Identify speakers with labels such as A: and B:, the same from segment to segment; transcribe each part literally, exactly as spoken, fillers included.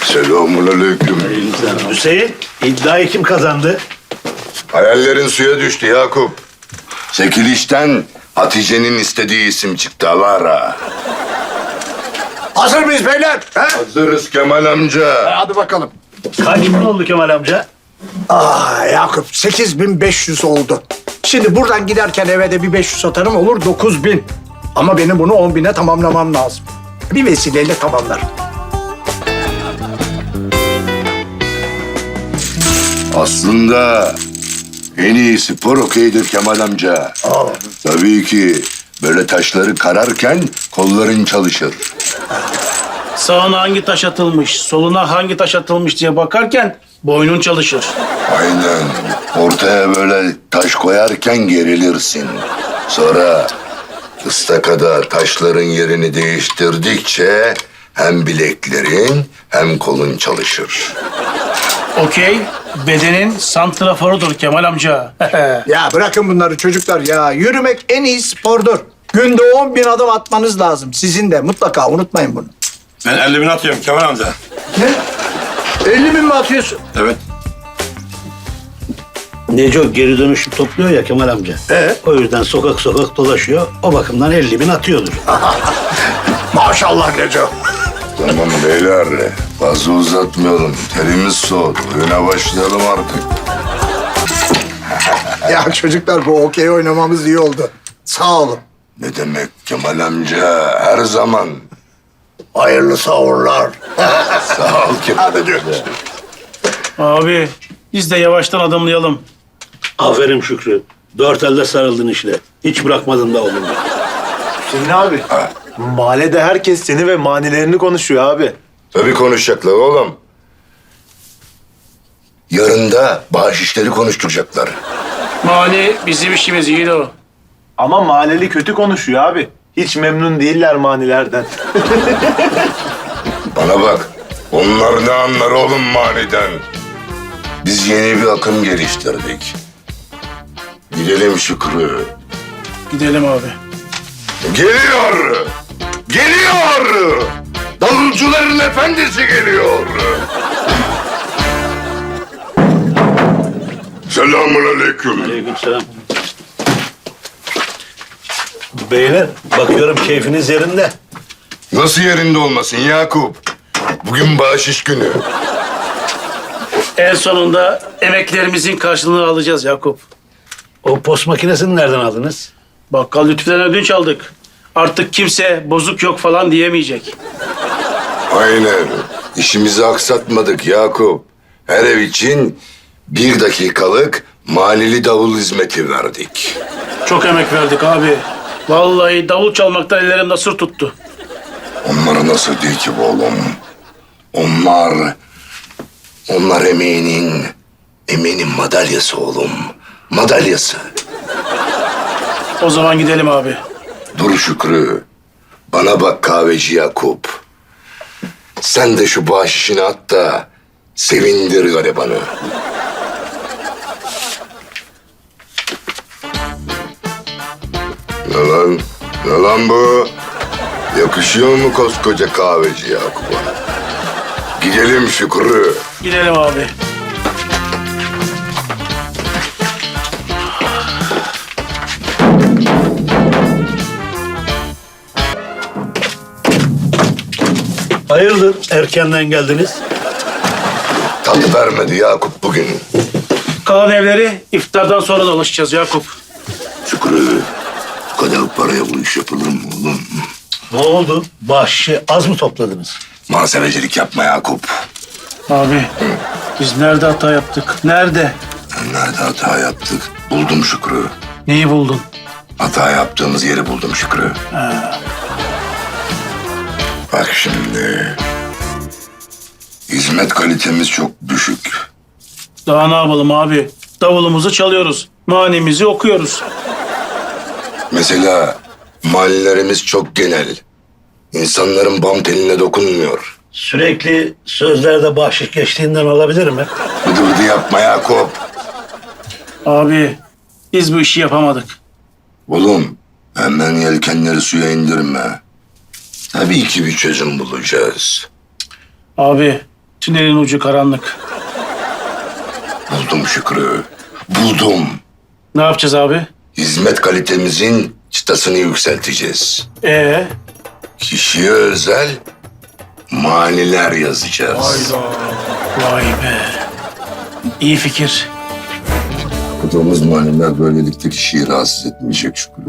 A: Selamünaleyküm.
B: Hüseyin, iddiayı kim kazandı?
A: Hayallerin suya düştü Yakup. Çekilişten Hatice'nin istediği isim çıktı Alara.
C: Hazır mıyız beyler? He?
A: Hazırız Kemal amca.
C: Hadi bakalım.
B: Kaç bin oldu Kemal amca?
C: Aa Yakup sekiz bin beş yüz oldu. Şimdi buradan giderken eve de bir beş yüz atarım olur dokuz bin. Ama benim bunu on bine tamamlamam lazım. Bir vesileyle tamamlarım.
A: Aslında en iyi spor okeydir Kemal amca.
C: Aa.
A: Tabii ki böyle taşları kararken kolların çalışır.
D: Sağına hangi taş atılmış, soluna hangi taş atılmış diye bakarken boynun çalışır.
A: Aynen. Ortaya böyle taş koyarken gerilirsin. Sonra ıstakada taşların yerini değiştirdikçe hem bileklerin hem kolun çalışır.
D: Okey, bedenin santraforudur Kemal amca.
C: Ya bırakın bunları çocuklar ya. Yürümek en iyi spordur. Günde on bin adım atmanız lazım. Sizin de mutlaka unutmayın bunu.
E: Ben elli bin atıyorum Kemal amca.
C: Ne? elli bin mi atıyorsun?
E: Evet.
B: Neco geri dönüşüm topluyor ya Kemal amca.
C: Ee?
B: O yüzden sokak sokak dolaşıyor. O bakımdan elli bin atıyordur.
C: Maşallah Neco.
A: Tamam beyler, fazla uzatmayalım. Terimiz soğudu. Oyuna başlayalım artık.
C: Ya çocuklar bu okey oynamamız iyi oldu. Sağ olun.
A: Ne demek Kemal amca, her zaman.
C: Hayırlı sahurlar.
A: Sağ ol Kemal amca.
D: Abi, biz de yavaştan adımlayalım.
B: Aferin Şükrü. Dört elde sarıldın işte. Hiç bırakmadın da oğlum.
F: Hüseyin abi, mahallede herkes seni ve manilerini konuşuyor abi.
A: Tabii konuşacaklar oğlum. Yarın da bağış işleri konuşturacaklar.
D: Mani bizim işimiz iyi de o.
F: Ama mahalleli kötü konuşuyor abi. Hiç memnun değiller manilerden.
A: Bana bak, onlar ne anlar oğlum maniden? Biz yeni bir akım geliştirdik. Gidelim Şükrü.
D: Gidelim abi.
A: Geliyor! Geliyor! Davulcuların efendisi geliyor! Selamünaleyküm.
B: Aleykümselam. Beyler, bakıyorum keyfiniz yerinde.
A: Nasıl yerinde olmasın Yakup? Bugün bağış günü.
D: En sonunda emeklerimizin karşılığını alacağız Yakup.
B: O post makinesini nereden aldınız?
D: Bakkal Lütfü'den ödünç aldık. Artık kimse bozuk yok falan diyemeyecek.
A: Aynen. İşimizi aksatmadık Yakup. Her ev için bir dakikalık malili davul hizmeti verdik.
D: Çok emek verdik abi. Vallahi davul çalmaktan ellerim nasır tuttu.
A: Onlara nasıl değil ki bu oğlum? Onlar, onlar emeğinin, emeğinin madalyası oğlum. Madalyası.
D: O zaman gidelim abi.
A: Dur Şükrü. Bana bak kahveci Yakup. Sen de şu bahşişini at da sevindir garibanı. Ne lan? Ne lan bu? Yakışıyor mu koskoca kahveci Yakup'a? Gidelim Şükrü.
D: Gidelim abi.
B: Hayırdır erkenden geldiniz?
A: Tadı vermedi Yakup bugün.
D: Kalan evleri iftardan sonra dolaşacağız Yakup.
A: Şükrü, bu kadar paraya bu iş yapılır mı oğlum?
B: Ne oldu? Bahşişi az mı topladınız?
A: Muhasebecilik yapma Yakup.
D: Abi biz nerede hata yaptık? Nerede?
A: Nerede hata yaptık? Buldum Şükrü.
D: Neyi buldun?
A: Hata yaptığımız yeri buldum Şükrü. Bak şimdi. Hizmet kalitemiz çok düşük.
D: Daha ne yapalım abi? Davulumuzu çalıyoruz. Manimizi okuyoruz.
A: Mesela mahallelerimiz çok genel. İnsanların bam teline dokunmuyor.
B: Sürekli sözlerde bahşiş geçtiğinden olabilir mi?
A: Bıdı bıdı yapma Yakup.
D: Abi biz bu işi yapamadık.
A: Oğlum hemen yelkenleri suya indirme. Tabii ki bir çözüm bulacağız.
D: Abi Tünelin ucu karanlık.
A: Buldum Şükrü. Buldum.
D: Ne yapacağız abi?
A: Hizmet kalitemizin çıtasını yükselteceğiz.
D: Ee,
A: Kişiye özel maniler yazacağız.
D: vay be. İyi fikir.
A: Okuduğumuz maniler böylelikle kişiyi rahatsız etmeyecek Şükrü.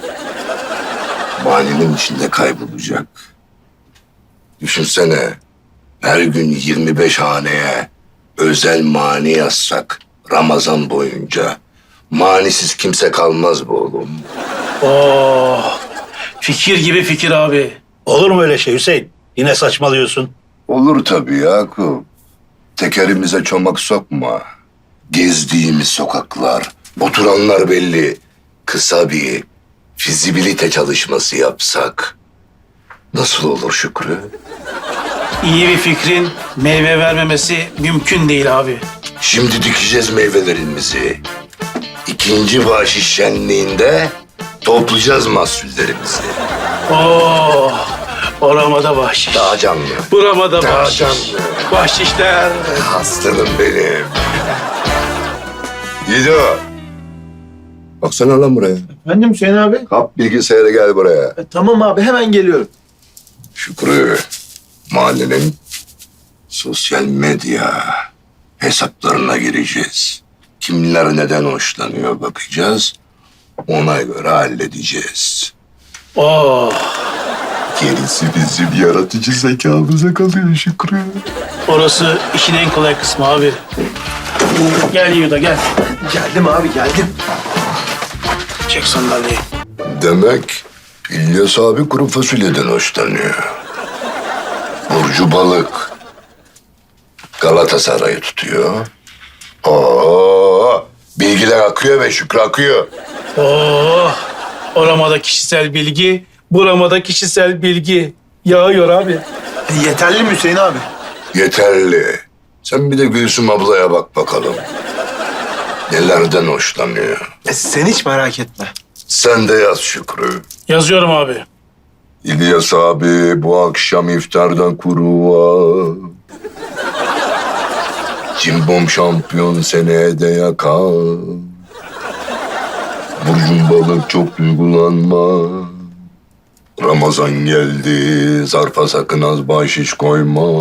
A: Maninin içinde kaybolacak. Düşünsene, her gün yirmi beş haneye özel mani yazsak Ramazan boyunca. Manisiz kimse kalmaz be oğlum.
D: Oh, fikir gibi fikir abi.
B: Olur mu öyle şey Hüseyin? Yine saçmalıyorsun.
A: Olur tabii Yakup. Tekerimize çomak sokma. Gezdiğimiz sokaklar, oturanlar belli. Kısa bir fizibilite çalışması yapsak nasıl olur Şükrü?
D: İyi bir fikrin meyve vermemesi mümkün değil abi.
A: Şimdi dikeceğiz meyvelerimizi. İkinci bahşiş şenliğinde toplayacağız mahsullerimizi.
D: Oh, oramada bahşiş.
A: Daha canlı.
D: Buramada
A: Daha
D: bahşiş.
A: canlı.
D: Bahşişler.
A: Aslanım benim. Yiğido. Baksana lan buraya.
F: Efendim Hüseyin abi?
A: Kap bilgisayarı gel buraya.
F: E, tamam abi hemen geliyorum.
A: Şükrü, mahallenin sosyal medya hesaplarına gireceğiz. Kimler neden hoşlanıyor bakacağız. Ona göre halledeceğiz.
D: Oh,
A: Gerisi bizim yaratıcı zekamıza kalıyor Şükrü.
D: orası işin en kolay kısmı abi. Gel Yuda gel.
F: Geldim abi geldim.
D: Çek sandalyeyi.
A: Demek İlyas abi kuru fasulyeden hoşlanıyor. Burcu balık. Galatasaray'ı tutuyor. Oo, bilgiler akıyor ve Şükrü akıyor.
D: Oh, oramada kişisel bilgi, buramada kişisel bilgi. Yağıyor abi.
F: E, yeterli mi Hüseyin abi?
A: Yeterli. Sen bir de Gülsüm ablaya bak bakalım. Nelerden hoşlanıyor.
F: E, sen hiç merak etme.
A: Sen de yaz Şükrü.
D: Yazıyorum abi.
A: İlyas abi bu akşam iftardan kuru var. Cimbom şampiyon seneye de yakar. Burcun balık çok duygulanma. Ramazan geldi, zarfa sakın az bahşiş koyma.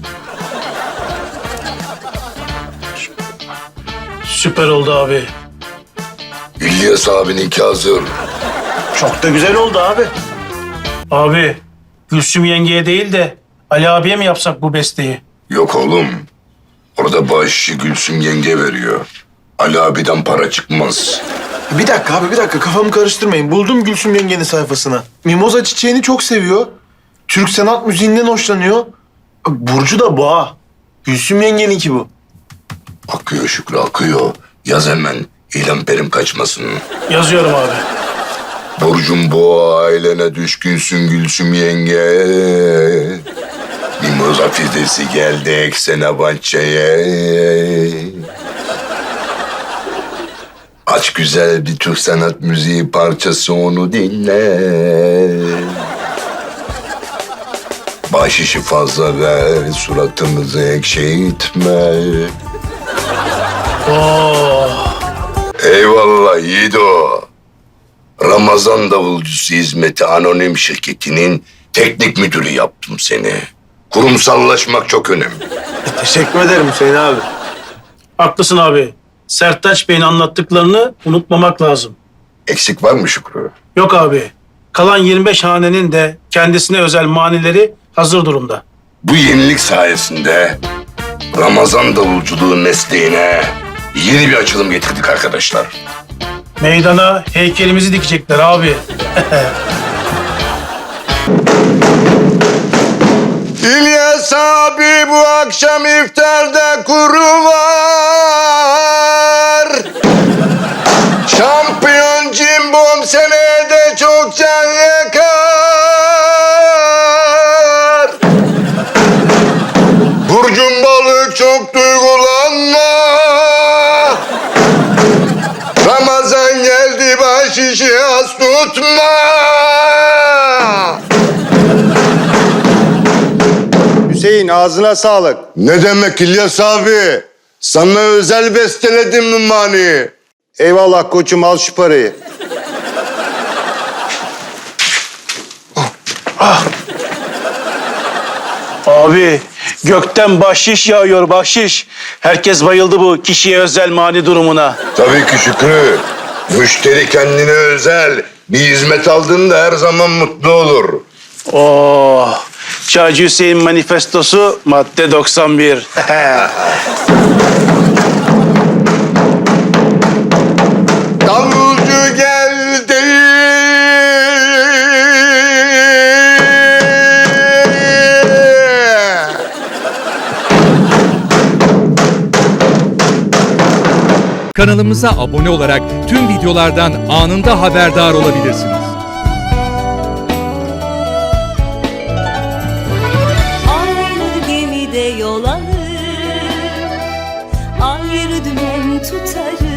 D: Süper oldu abi.
A: İlyas abininki hazır.
F: Çok da güzel oldu abi.
D: Abi, Gülsüm yengeye değil de Ali abiye mi yapsak bu besteyi?
A: Yok oğlum. Orada bahşişi Gülsüm yenge veriyor. Ali abiden para çıkmaz.
F: Bir dakika abi bir dakika kafamı karıştırmayın. Buldum Gülsüm yengenin sayfasına. Mimoza çiçeğini çok seviyor. Türk sanat müziğinden hoşlanıyor. Burcu da boğa. Gülsüm yengeninki bu.
A: Akıyor Şükrü akıyor. Yaz hemen. İlan perim kaçmasın.
D: Yazıyorum abi.
A: Burcum bu ailene düşkünsün Gülsüm yenge. Mimoza fidesi geldi eksene bahçeye. Aç güzel bir Türk sanat müziği parçası onu dinle. Bahşişi fazla ver, suratımızı ekşitme.
D: Oh,
A: Eyvallah Yiğido. Ramazan Davulcusu Hizmeti Anonim Şirketi'nin teknik müdürü yaptım seni. Kurumsallaşmak çok önemli.
F: E, teşekkür ederim Hüseyin abi.
D: haklısın abi. Sertaç Bey'in anlattıklarını unutmamak lazım.
A: Eksik var mı Şükrü?
D: Yok abi. Kalan yirmi beş hanenin de kendisine özel manileri hazır durumda.
A: Bu yenilik sayesinde Ramazan davulculuğu mesleğine yeni bir açılım getirdik arkadaşlar.
D: Meydana heykelimizi dikecekler abi.
A: İlyas abi bu akşam iftarda kuru var. Şampiyon cimbom seneye de çok can yakar. Burcun balık çok duygulanma. Ramazan geldi bahşişi az tutma.
F: Hüseyin
G: Hüseyin ağzına sağlık.
A: Ne demek İlyas abi? Sana özel besteledim mi maniyi?
G: Eyvallah koçum al şu parayı.
D: Abi gökten bahşiş yağıyor bahşiş. Herkes bayıldı bu kişiye özel mani durumuna.
A: Tabii ki Şükrü. Müşteri kendine özel bir hizmet aldığında her zaman mutlu olur.
D: Oh, Çaycı Hüseyin manifestosu madde doksan bir.
A: Davulcu geldi.
H: Kanalımıza abone olarak tüm videolardan anında haberdar olabilirsiniz.
I: Aynı gemide yol alır, ayrı dümen tutarız.